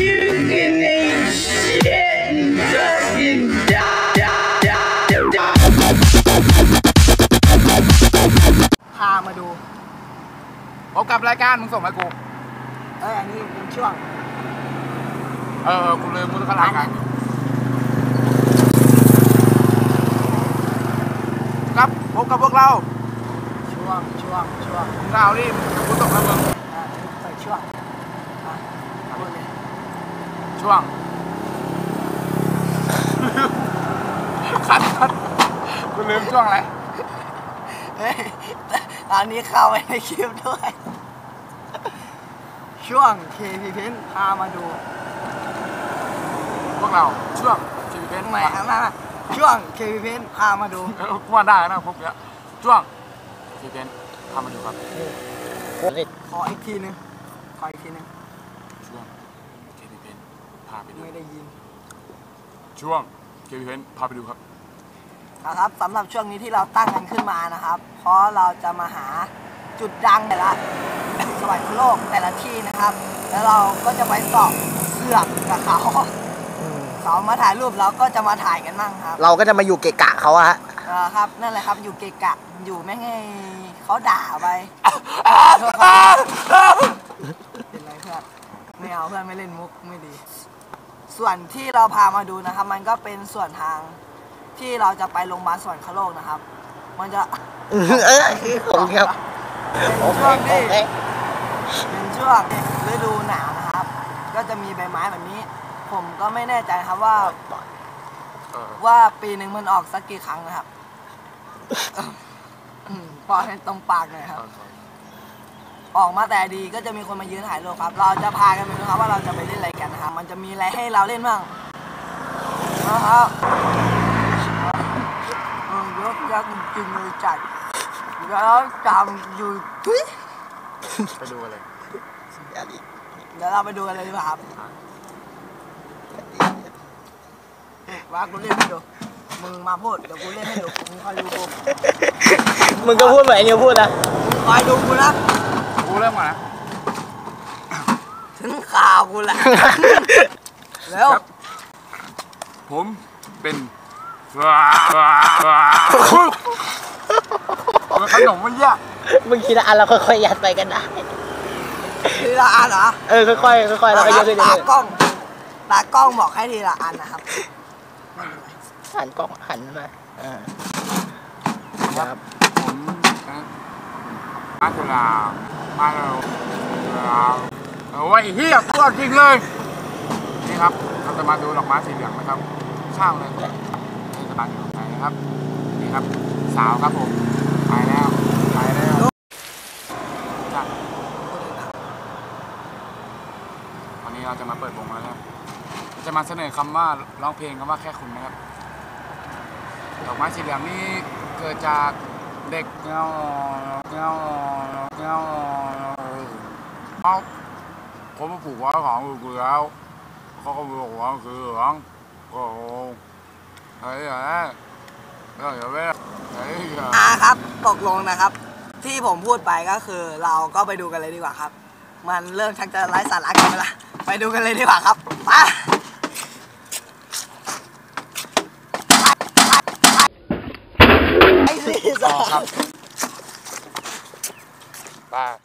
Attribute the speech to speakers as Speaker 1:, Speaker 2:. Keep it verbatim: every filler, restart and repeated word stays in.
Speaker 1: พามาดู
Speaker 2: พบกับรายการมึงส่งมากู
Speaker 1: เอออันนี้เป็นช่วง
Speaker 2: เออกูลืมมึงก็รายการครับพบกับพวกเรา
Speaker 1: ช่วงช่วงช่วง
Speaker 2: มึงเอาดิกูส่งมามึง
Speaker 1: อ่าใส่ช่วงอ่ะพูดเลย
Speaker 2: ช่วงคัดคัดกูลืมช่วงอะไร
Speaker 1: เฮ้ยตอนนี้เข้าไปในคลิปด้วยช่วงเคพีเพนพามาดู
Speaker 2: พวกเราช่วงเคพีเพน
Speaker 1: ใหม่ครับมาช่วงเคพีเพนพามาดู
Speaker 2: ว่าได้นะพวกเนี้ยช่วงเคพีเพนพามาดูครับ
Speaker 1: ขออีกทีนึงขออีกทีนึง
Speaker 2: ช่วงเคพีเพนพาไปดู
Speaker 1: ไม่ได้ยิน
Speaker 2: ช่วงเคพีเพนพาไปดูครับ
Speaker 1: นะครับสำหรับช่วงนี้ที่เราตั้งกันขึ้นมานะครับเพราะเราจะมาหาจุดดังแต่ละสวรรค์โลกแต่ละที่นะครับแล้วเราก็จะไปสอบเสือกกับเขาเขามาถ่ายรูปเราก็จะมาถ่ายกันมั่งครับ
Speaker 3: เราก็จะมาอยู่เกะกะเขาอะฮะ
Speaker 1: ครับนั่นแหละครับอยู่เกะกะอยู่ไม่ให้เขาด่าไปเป็นไรเพื่อนไม่เอาเพื่อนไม่เล่นมุกไม่ดีส่วนที่เราพามาดูนะครับมันก็เป็นส่วนทางที่เราจะไปโรงพยาบาลสวรรคโลกนะครับมันจะ
Speaker 3: เออผมครับ
Speaker 1: เป็นช่วงที่เป็นช่วงฤดูหนาวนะครับก็จะมีใบไม้แบบนี้ผมก็ไม่แน่ใจครับว่าว่าปีหนึ่งมันออกสักกี่ครั้งนะครับพอให้ตรงปากหน่อยครับออกมาแต่ดีก็จะมีคนมายืนถ่ายรูปครับเราจะพากันไปดูครับว่าเราจะไปเล่นอะไรกันนะครับมันจะมีอะไรให้เราเล่นบ้างนะครับยกยักษ์จริงเลยจัดแล้วจำอยู่ทุย
Speaker 2: ไปดูอะไร
Speaker 1: เดี๋ยวเราไปดูกันเลยดีกว่าครับว่ากูเล่นให้ดูมึงมาพูดเดี๋ยวกูเล่นให้ดูมึงคอยดูกู
Speaker 3: มึงก็พูดเหมือนไอ้นิวพูดนะ
Speaker 1: คอยดูกูนะ
Speaker 2: กูเริ่มก่อนนะ
Speaker 1: ถึงข่าวกูแหละแล้ว
Speaker 2: ผมเป็นขนมมันยาก
Speaker 3: มึงคิดละอันเราค่อยๆยัดไปกันได้
Speaker 1: ทีละอันเหรอ
Speaker 3: เออค่อยๆค่อยๆแล้วก็เยอะขึ้นเรื่อย
Speaker 1: ๆตากล้องตากล้องบอกให้ทีละอันนะครับ
Speaker 3: หันกล้องหันมาอ่า
Speaker 2: ครับผมมาตุลามาเราโอ้ยเฮียตัวจริงเลยนี่ครับเราจะมาดูดอกไม้สีเหลืองนะครับข้างเลยนี่จะบังอยู่ไหนนะครับนี่ครับสาวครับผมไปแล้วไปแล้ววันนี้เราจะมาเปิดวงแล้วครับจะมาเสนอคำว่าร้องเพลงคำว่าแค่คุณนะครับดอกไม้สีเหลืองนี่เกิดจากเด็กเงาเงาเงาเขาเขามาปลูกไว้ของกูแล้วเขาก็บอกว่าคือเหลืองโอ้โหเฮ้ยเฮ้ยเฮ้ยเฮ้ยเฮ้ย
Speaker 1: อ่าครับตกลงนะครับที่ผมพูดไปก็คือเราก็ไปดูกันเลยดีกว่าครับมันเริ่มชักจะไร้สาระกันไปละไปดูกันเลยดีกว่าครับไปไอ้สิครับ
Speaker 2: ป้า